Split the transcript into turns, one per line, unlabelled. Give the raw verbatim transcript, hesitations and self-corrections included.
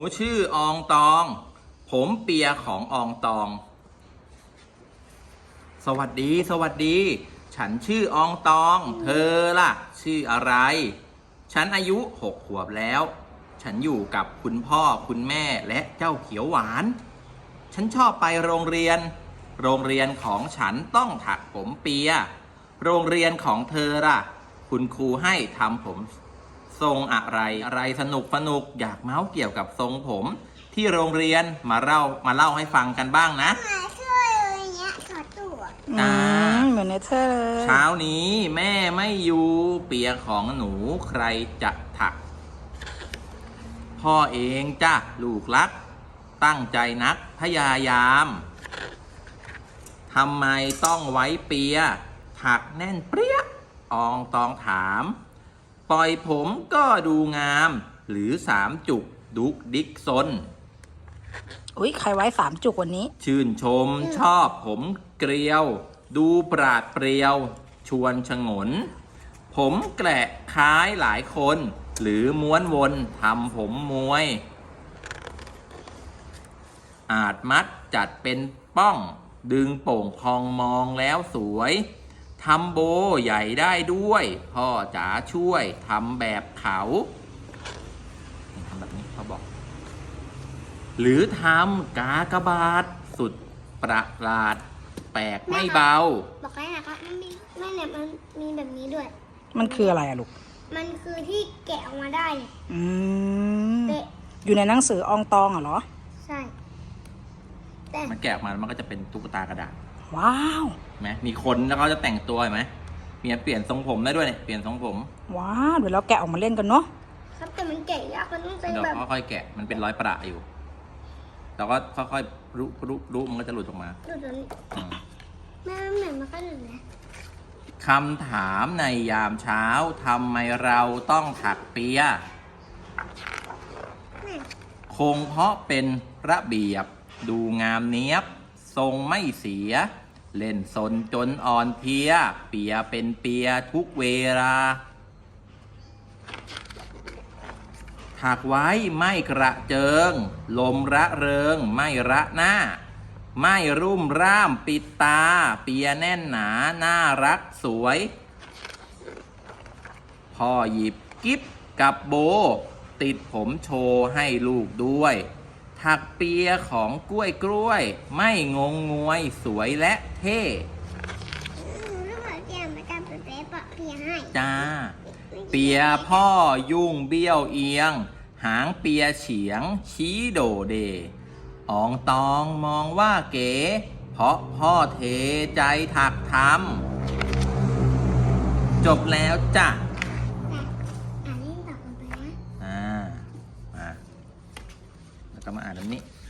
หนูชื่ออองตอง ผมเปียของอองตอง สวัสดีสวัสดี ฉันชื่ออองตอง เธอล่ะ ชื่ออะไร ฉันอายุหกขวบแล้ว ฉันอยู่กับคุณพ่อคุณแม่และเจ้าเขียวหวาน ฉันชอบไปโรงเรียน โรงเรียนของฉันต้องถักผมเปีย โรงเรียนของเธอล่ะ คุณครูให้ทำผมทรงอะไรอะไรสนุกสนุกอยากเมาส์เกี่ยวกับทรงผมที่โรงเรียนมาเล่ามาเล่าให้ฟังกันบ้างนะ
อืมเหมือนเนเธอร์เลย
เช้านี้แม่ไม่อยู่เปียของหนูใครจะถัก พ่อเองจ้ะลูกรัก ตั้งใจนักพยายามทำไมต้องไว้เปียถักแน่นเปรี้ยอองตองถามปล่อยผมก็ดูงาม หรือสามจุกดุกดิกซน
อุ้ยใครไว้สามจุกวันนี้
ชื่นชมชอบผมเกลียว ดูปราดเปรียว ชวนชงน ผมแกละคล้ายหลายคน หรือม้วนวนทำผมมวย อาจมัดจัดเป็นป้อง ดึงโป่งพองมองแล้วสวยทำโบใหญ่ได้ด้วย พ่อจ๋าช่วยทำแบบเขาทำแบบนี้เขาบอก หรือทำกากบาทสุดประหลาด แปลกไม่เบา
บอกให้นะคะมันมีไม่เนี่ยมันมีแบบนี้ด้วย
มันคืออะไรอะลูก
มันคือที่แกะออกมาได้เนี่ย
อืม
เป๊ะ
อยู่ในหนังสืออองตองอะเหรอ
ใช่แต่
มันแกะออกมามันก็จะเป็นตุ๊กตากระดาษ
ว้าว
เห็นไหมมีคนแล้วเขาจะแต่งตัวเห็นไหมมีเปลี่ยนทรงผมได้ด้วยเนี่ยเปลี่ยนทรงผม
ว้าวเดี๋ยวเราแกะออกมาเล่นกันเนาะ
ครับแต่มันแกะยากมันต้องใช้
เดี๋ยว
แบบ
ค่อยๆแกะมันเป็นรอยประอยู่เราก็ค่อยๆรุรุรุมันก็จะหลุดออกมา
ดูตัวนี้
อืม
แม่มันเหมือนมันก็หนึ่งนะ
คำถามในยามเช้าทำไมเราต้องถักเปีย
แม่
คงเพราะเป็นระเบียบดูงามเนี้ยบ ทรงไม่เสีย เล่นสนจนอ่อนเพลีย เปียเป็นเปียทุกเวลา ถักไว้ไม่กระเจิง ลมระเริงไม่ระหน้า ไม่รุ่มร่ามปิดตา เปียแน่นหนาน่ารักสวย พ่อหยิบกิ๊บกับโบ ติดผมโชว์ให้ลูกด้วย ถักเปียของกล้วยกล้วย ไม่งงงวยสวยและเท่
ลูกขอเตรียมมาการเป็นเป๊ะปะเพียให้
จ้า เปียพ่อยุ่งเบี้ยวเอียง หางเปียเฉียง ชี้โดเดอองตองมองว่าเก๋ เพราะพ่อเทใจถักทำจบแล้วจ้ะ
อ่านนี่ต่อกันไปนะ
อ่ามาแล้วก็มาอ่านอันนี้